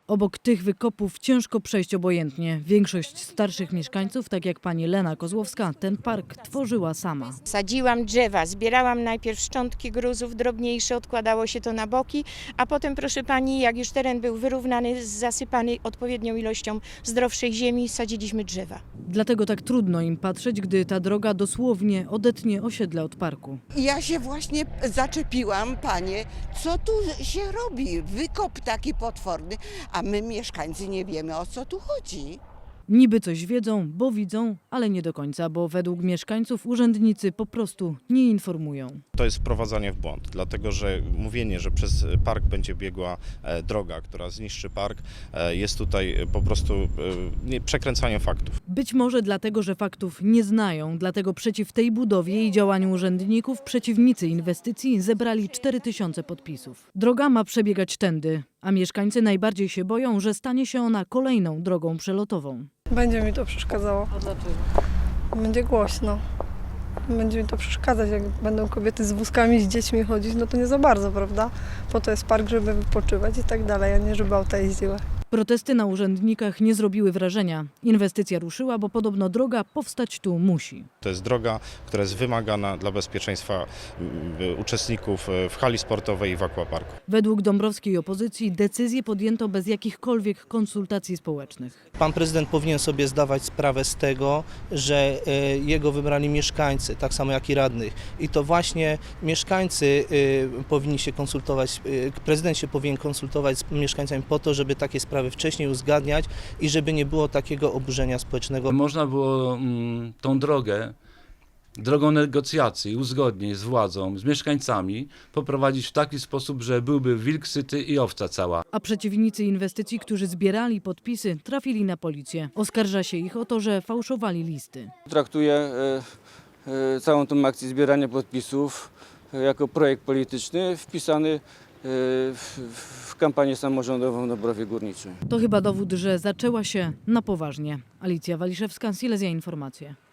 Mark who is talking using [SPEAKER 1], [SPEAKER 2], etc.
[SPEAKER 1] Obok tych wykopów ciężko przejść obojętnie. Większość starszych mieszkańców, tak jak pani Lena Kozłowska, ten park tworzyła sama.
[SPEAKER 2] Sadziłam drzewa, zbierałam najpierw szczątki gruzów drobniejsze, odkładało się to na boki, a potem, proszę pani, jak już teren był wyrównany, zasypany odpowiednią ilością zdrowszej ziemi, sadziliśmy drzewa.
[SPEAKER 1] Dlatego tak trudno im patrzeć, gdy ta droga dosłownie odetnie osiedle od parku.
[SPEAKER 3] Ja się właśnie zaczepiłam, panie, co tu się robi? Wykop taki potworny, a my mieszkańcy nie wiemy, o co tu chodzi.
[SPEAKER 1] Niby coś wiedzą, bo widzą, ale nie do końca, bo według mieszkańców urzędnicy po prostu nie informują.
[SPEAKER 4] To jest wprowadzanie w błąd, dlatego że mówienie, że przez park będzie biegła droga, która zniszczy park, jest tutaj po prostu przekręcaniem faktów.
[SPEAKER 1] Być może dlatego, że faktów nie znają, dlatego przeciw tej budowie i działaniu urzędników przeciwnicy inwestycji zebrali 4000 podpisów. Droga ma przebiegać tędy, a mieszkańcy najbardziej się boją, że stanie się ona kolejną drogą przelotową.
[SPEAKER 5] Będzie mi to przeszkadzało.
[SPEAKER 1] A dlaczego?
[SPEAKER 5] Będzie głośno. Będzie mi to przeszkadzać, jak będą kobiety z wózkami, z dziećmi chodzić, no to nie za bardzo, prawda? Po to jest park, żeby wypoczywać i tak dalej, a nie żeby auta jeździły.
[SPEAKER 1] Protesty na urzędnikach nie zrobiły wrażenia. Inwestycja ruszyła, bo podobno droga powstać tu musi.
[SPEAKER 4] To jest droga, która jest wymagana dla bezpieczeństwa uczestników w hali sportowej i w aquaparku.
[SPEAKER 1] Według dąbrowskiej opozycji decyzję podjęto bez jakichkolwiek konsultacji społecznych.
[SPEAKER 6] Pan prezydent powinien sobie zdawać sprawę z tego, że jego wybrali mieszkańcy, tak samo jak i radnych. I to właśnie mieszkańcy powinni się konsultować, prezydent się powinien konsultować z mieszkańcami po to, żeby takie sprawy wcześniej uzgadniać i żeby nie było takiego oburzenia społecznego.
[SPEAKER 7] Można było tą drogą negocjacji, uzgodnień z władzą, z mieszkańcami poprowadzić w taki sposób, że byłby wilk syty i owca cała.
[SPEAKER 1] A przeciwnicy inwestycji, którzy zbierali podpisy, trafili na policję. Oskarża się ich o to, że fałszowali listy.
[SPEAKER 8] Traktuję całą tą akcję zbierania podpisów jako projekt polityczny wpisany w kampanię samorządową w Dąbrowie Górniczej.
[SPEAKER 1] To chyba dowód, że zaczęła się na poważnie. Alicja Waliszewska, Silesia Informacje.